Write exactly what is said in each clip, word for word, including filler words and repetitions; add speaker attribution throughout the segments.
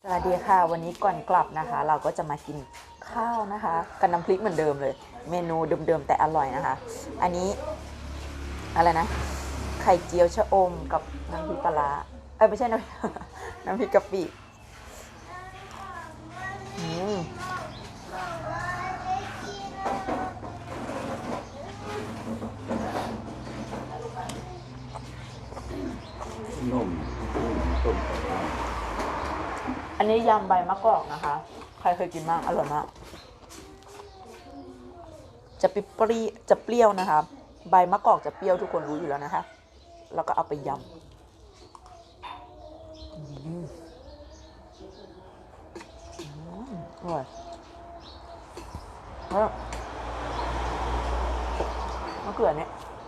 Speaker 1: สวัสดีค่ะวันนี้ก่อนกลับนะคะเราก็จะมากินข้าวนะคะกับน้ำพริกเหมือนเดิมเลยเมนูเดิมๆแต่อร่อยนะคะอันนี้อะไรนะไข่เจียวชะอมกับน้ำพริกปลาร้าเอ้ยไม่ใช่น้ำ น้ำพริกกะปิอืม
Speaker 2: นุ่มต้ม
Speaker 1: อันนี้ยำใบมะกอกนะคะใครเคยกินบ้างอร่อยมากจะเปรี้ยวจะเปรี้ยวนะคะใบมะกอกจะเปรี้ยวทุกคนรู้อยู่แล้วนะคะแล้วก็เอาไปยำอืมอร่อยแล้วมะเขือเนี่ย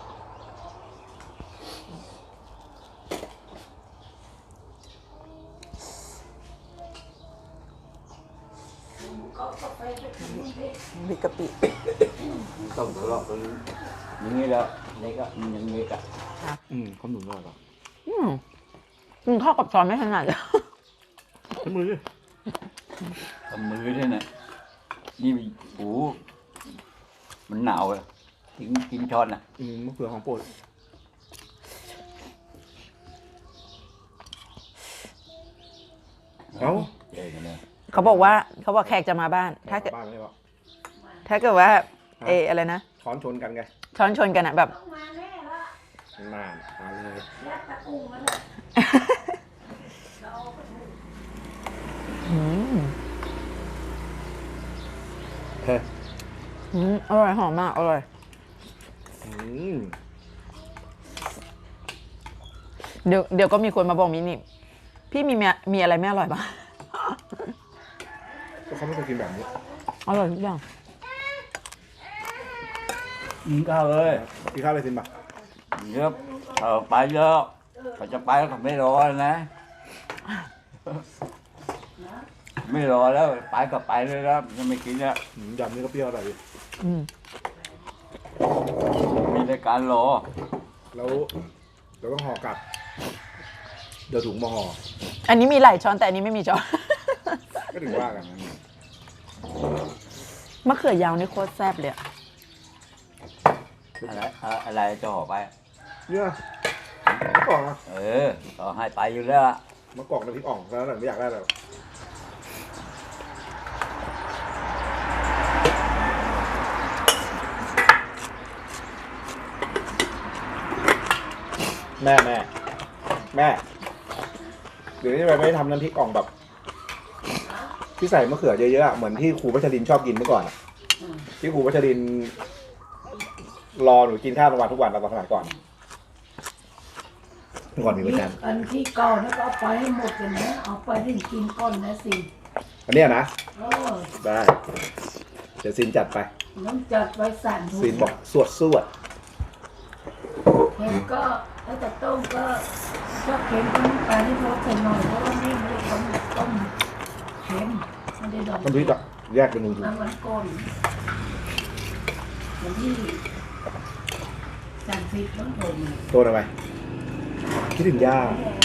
Speaker 1: พริกกะปิ
Speaker 2: ต้มทะเลาะกันอย่างนี้แล้วนี่ก็อย่างนี้ก็
Speaker 3: อืมข้าวหนุนอร่อยป่ะ
Speaker 1: อืมกินข้าวกับช้อนไม่ถนัดเลย
Speaker 3: ใช้มือดิ
Speaker 2: ทำมือด้วยนะนี่โอ้มันหนาวเลยกินกินช้อนนะ
Speaker 3: อืมมะเขือของโปรด เอ้า
Speaker 2: เจ๋งเลย
Speaker 1: เขาบอกว่าเขาบอกแขกจะมาบ้าน ถ้าเกิด
Speaker 3: บ้านไม่ได้ป่ะ
Speaker 1: ถ้าเกิดว่าเอออะไรนะ
Speaker 3: ช้อนชนกันไง
Speaker 1: ช้อนชนกันอะแบบ
Speaker 3: นานมาเลย
Speaker 1: อืม
Speaker 3: เฮ้ย
Speaker 1: อืมอร่อยหอมมากอร่อย
Speaker 3: อืม
Speaker 1: เดี๋ยวเดี๋ยวก็มีคนมาบอกมินี่พี่มีเมียมีอะไรไม่อร่อยบ้าง
Speaker 3: ก็เขาไม่เคยกินแบบนี้
Speaker 1: อร่อยทุกอย่าง
Speaker 2: กินข้าวเลย
Speaker 3: กินข้าวเลยสินป่ะ
Speaker 2: เยอะเออไปเยอะเขาจะไปแล้วเขาไม่รอนะ ไม่รอแล้วไปก็ไปเลยแล้วยังไม่กินแล้ว
Speaker 3: อืมยำนี่ก็เปรี้ยวอร่อยดิ
Speaker 1: อืม
Speaker 2: มีรายการรอ
Speaker 3: แล้วเราต้องห่อกลับ เดี๋ยวถุงมาห่อ
Speaker 1: อันนี้มีหลายช้อนแต่อันนี้ไม่มีช้อน
Speaker 3: ก็ถึงว่ากัน
Speaker 1: มะเขือยาวนี่โคตรแซ่บเลยอะ
Speaker 2: อะไรอะไรจะห่อไป
Speaker 3: เนี่ยมะกอกนะ
Speaker 2: เออต่อให้ไปอยู่แล้ว
Speaker 3: มะกอกน้ำพริกอ่องแล้วไม่อยากได้แล้วแม่แม่แม่เดี๋ยวนี้ทำไมไม่ทำน้ำพริกอ่องแบบที่ใส่มะเขือเยอะๆอะเหมือนที่ครูพัชรินชอบกินเมื่อก่อนอะที่ครูพัชรินรอหนูกินข้าวกลางวันทุกวันตอนสมัยก่อนเมื่อก่อนมีประจ
Speaker 4: อันที่เก่าแล้วก็เอาไปให้หมดเลยนะเอาไปให้กินก้อนนะสิ
Speaker 3: ำอันเนี้ยนะ
Speaker 4: เออ
Speaker 3: ได้เดี๋ยวซินจัดไป
Speaker 4: น้ำจัดไว้สั่นทุ
Speaker 3: ซินบอกสวดสวด
Speaker 4: เค็มก็แล้วแต่ต้มก็ชอบเค็มก็น้ำตาลที่ลดใส่หน่อยเพราะว่านี่ไม่ได้ต้มต้มเค็มไม่ได้ดอก
Speaker 3: น้ำพริกอะแยกเป็นหนึ่งถุง
Speaker 4: น้ำมันก้นอย่างที่สั่งฟิตต้องผม
Speaker 3: ตัวอะไรคิดถึงย่า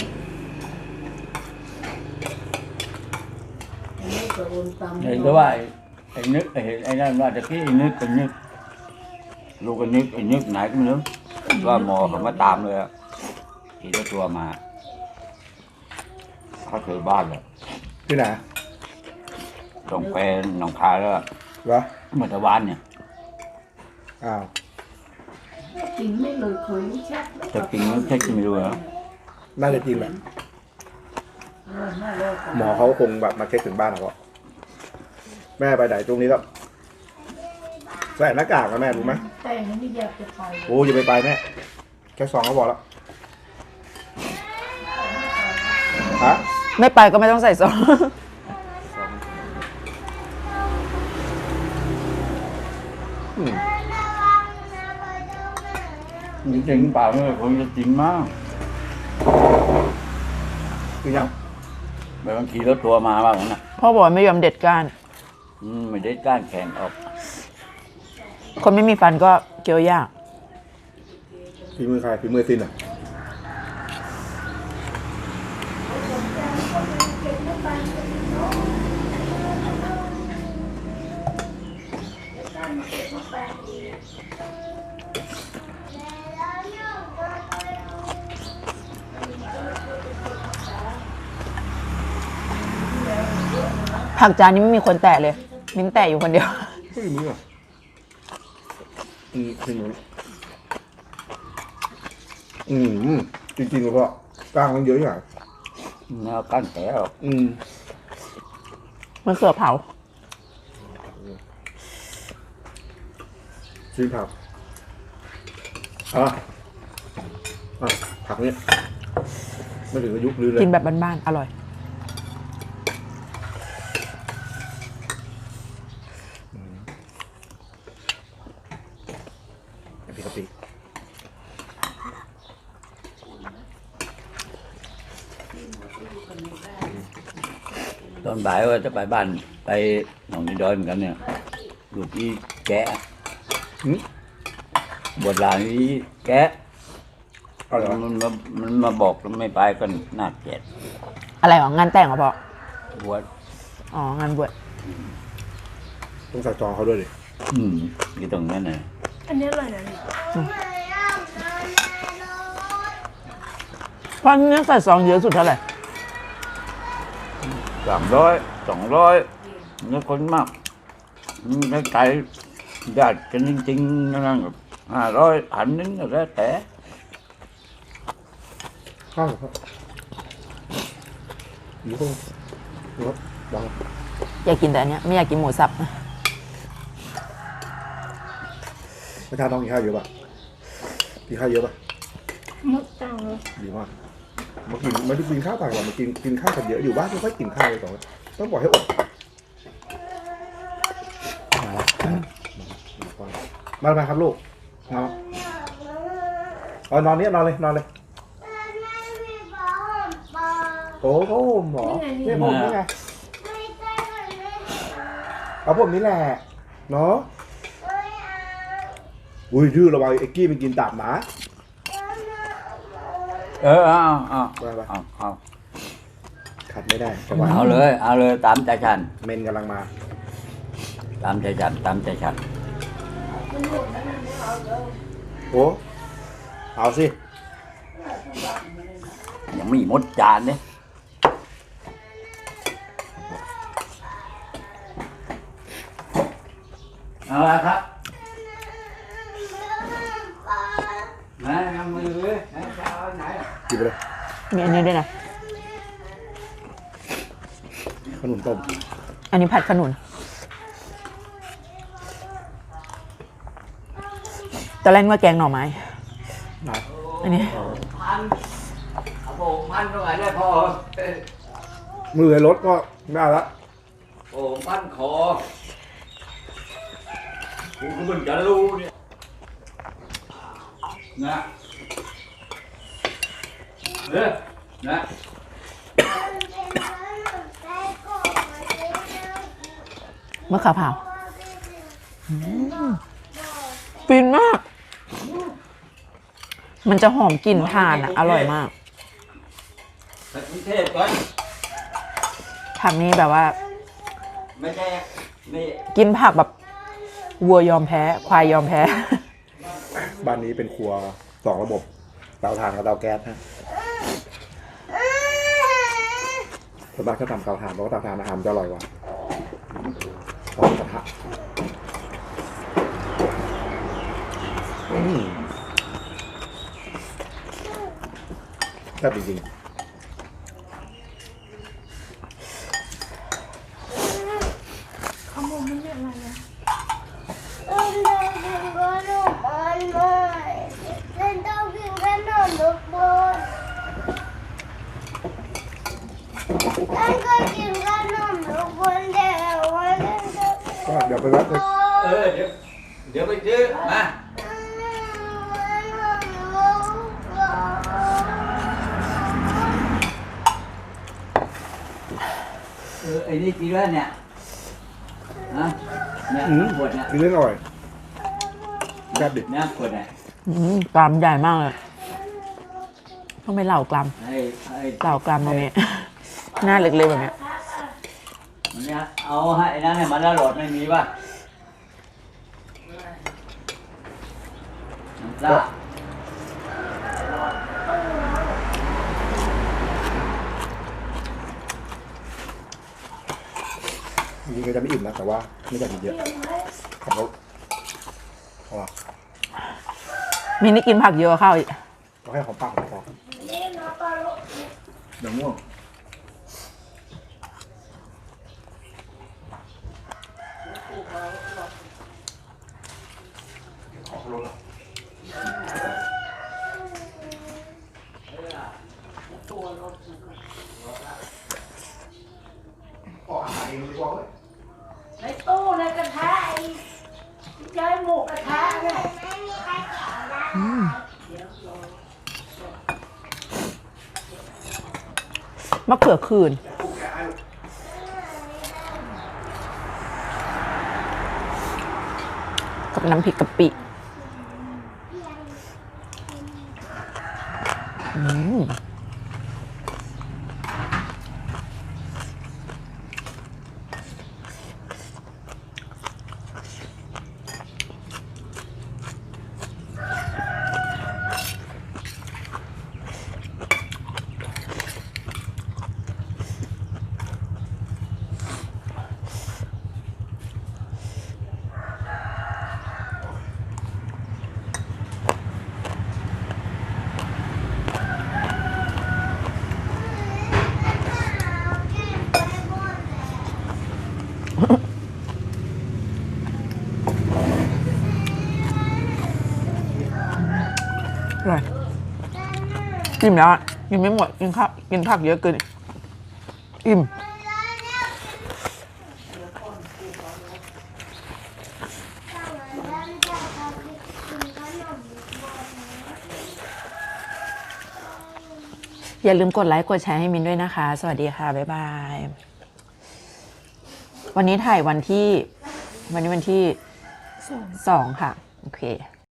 Speaker 4: อันนี้ก็โอนตาม
Speaker 2: เห็นก็ว่าไอ้ไอ้นึกไอ้เห็นไอ้นั่นว่าตะกี้ไอ้นึกไอ้นึกลูกไอ้นึกไอ้นึกไหนก็ไม่รู้ว่าหมอเขามาตามเลยอะขี่รถตัวมาเขาเจอบ้านเลย
Speaker 3: ที่ไหน
Speaker 2: ต้องไปหนองคายแล้ว
Speaker 3: เหรอ
Speaker 2: เมื่อตะวันเนี่ย
Speaker 3: อ้าว
Speaker 4: กินไม่เลยเคยรู้ชัก
Speaker 2: จะกินหรือแค่กินไม่รู้เหรอ
Speaker 3: น่าจะจริงแหละ
Speaker 4: เออน่าเลิกกัน
Speaker 3: หมอเขาคงแบบมาเช็คถึงบ้านเขาอะแม่ไปไหนตรงนี้ก็ใส่หน้ากากนะแม่รู้ไหม
Speaker 4: แต่งนี่อยากจะไป
Speaker 3: โอ้อย่าไปไปแม่แค่สองก็พอแล้วฮะ
Speaker 1: ไม่ไปก็ไม่ต้องใส่ซอส
Speaker 3: อืม
Speaker 2: จริงๆเปล่าเนี่ยคงจะจริงมาก
Speaker 3: คือยัง
Speaker 2: แบบบางทีรถตัวมาบ้างนะ
Speaker 1: พ่อบอกว่าไม่ยอมเด็ดก้าน
Speaker 2: อืมไม่ได้ก้านแข็งออก
Speaker 1: คนไม่มีฟันก็เคี้ยวยาก
Speaker 3: ฝีมือใครฝีมือซินอะ
Speaker 1: ผักจานนี้ไม่มีคนแตะเลย มิ้นแตะอยู่คนเดียว
Speaker 3: ไม่มีอ่ะอืมจริงอืมจริงๆแล้วก็กลางมันเยอะอย่าง
Speaker 2: แนวกั้นแผลหรอก
Speaker 3: อืม
Speaker 1: มันเขือเผา
Speaker 3: ซีผักอ่ะอ่ะผักนี้ไม่ถึงอายุลือเลย
Speaker 1: กินแบบบ้านๆ อร่อย
Speaker 3: น้ำพริกกะปิ
Speaker 2: ตอนบ่ายว่าจะไปบ้านไปหนองนิดอยเหมือนกันเนี่ยอยู่ที่แกะ
Speaker 3: หืม
Speaker 2: บทลานนี้แกะ
Speaker 3: เอาเหรอ
Speaker 2: มันมามันมาบอกแล้วไม่ไปก็น่าเกลียด
Speaker 1: อะไรหรองานแต่งเหรอพ่อบ
Speaker 2: วช
Speaker 1: อ๋อ งานบวช
Speaker 3: ต้องใส่จองเขาด้วยดิ
Speaker 2: อืมอยู่ตรงนั้นน่ะ
Speaker 4: อันนี้อร่อยนะนี่
Speaker 1: พ่อนี่ใส่ซองเยอะสุดเท่าไหร่
Speaker 2: สามร้อยสองร้อยนี่คนมากใกล้ไก่ญาติกันจริงๆนั่นก็ห้าร้อยพันนึงก็แล้วแต่
Speaker 3: ข้าวเหรอครับอยู่ตรงรถวาง
Speaker 1: อยากกินแต่อันเนี้ยไม่อยากกินหมูสับ
Speaker 3: ไม่ทานต้องกินข้าวเยอะป่ะกินข้าวเยอะป่ะ
Speaker 4: มุกตังเลย
Speaker 3: ดีมากมากินไม่ได้กินข้าวต่างกันมากินกินข้าวกันเยอะอยู่บ้านไม่ค่อยกินข้าวเลยสองคนต้องบอกให้อดมาแล้วมามาครับลูกมาเอานอนนี้นอนเลยนอนเลยโอ้โหหมอเนี่ยผมนี่ไงเอาผมนี่แหละเนาะอุ้ยดื้อระวังไอ้กี้มันกินตับหมา
Speaker 2: เออเอาเอา
Speaker 3: ไปไป
Speaker 2: เอาเอา
Speaker 3: ขัดไม่ได้จังหวะ
Speaker 2: เอาเลยเอาเลยตามใจฉัน
Speaker 3: เมนกำลังมา
Speaker 2: ตามใจฉันตามใจฉัน
Speaker 3: โอ้เอาสิ
Speaker 2: ยังไม่หมดจานเนี่ยเอาละครับไหนเอามือเลยไหนจะเอาไหนอ่ะ
Speaker 3: กินไปเลย
Speaker 1: มีอันนี้ด้วยนะ
Speaker 3: ขนมต้ม
Speaker 1: อันนี้ผัดขนุน ตอนแรกนึกว่าแกงหน่อไม้
Speaker 3: นะ
Speaker 1: อันนี้
Speaker 2: พันเอาโป่งพันตรงไหนได้พอ
Speaker 3: มือในรถก็ไม่เอาละ
Speaker 2: โป่งพันคอกูก็เพิ่งจะรู้เนี่ยนะเด้อนะ
Speaker 1: มะขามเผาอืมฟินมาก มันจะหอมกลิ่นถ่านอ่ะ อร่อยมาก
Speaker 2: ไปกรุงเทพก่อน
Speaker 1: ผักนี้แบบว่า
Speaker 2: ไม่ใช่นี่
Speaker 1: กินผักแบบวัวยอมแพ้ ควายยอมแพ้
Speaker 3: บ้านนี้เป็นครัวสองระบบเตาถ่านกับเตาแก๊สฮะส่วนมากถ้าทำเตาถ่านเพราะว่าเตาถ่านอาหารมันจะอร่อยกว่าหอมกระทะอืมแซ่บจริง
Speaker 4: ขโมยมันเรียกอะไรนะ
Speaker 3: ๆก็เดี๋ยวไปแวะไป
Speaker 2: เออเดี๋ยวเดี๋ยวไปซื้อมาเออไอ้นี่กินแล้วเนี่ยฮะเนี่ย
Speaker 3: อืม
Speaker 2: ขวดเนี่ย
Speaker 3: กินเรื่องอร่อยแซ่บดิ
Speaker 2: เนี่ยขวดเนี่ย
Speaker 1: อืมกรามใหญ่มากเลยต้องไปเหล่ากราม
Speaker 2: ไอ้ไอ้
Speaker 1: เหล่ากรามตรงนี้ หน้าเล็กๆแบบเนี้ย
Speaker 2: มันเนี่ยเอาให้ไอ้นั่นให้มันแล้วโหลดไม่มีป่ะน้ำปลา
Speaker 3: จริงๆก็จะไม่อิ่มนะแต่ว่าไม่อยากกินเยอะขับรถเพราะว่า
Speaker 1: มินนี่กินผักเยอะกว่าข้าวอีก
Speaker 3: เราให้ของปากของพอเดี๋ยวง่วงขอรถขออาหารเองดีกว่าเว้ย
Speaker 4: ในตู้ในกระทะไอ้ที่ใจหมูกระทะเนี่ย
Speaker 1: มะเขือคืนกับน้ำพริกกะปิอืมอร่อยอิ่มแล้วอะกินไม่หมดกินข้าวกินผักเยอะเกินอิ่มอย่าลืมกดไลค์กดแชร์ให้มินด้วยนะคะ สวัสดีค่ะ บ๊ายบาย วันนี้ถ่ายวันที่ วันนี้วันที่สองค่ะ โอเค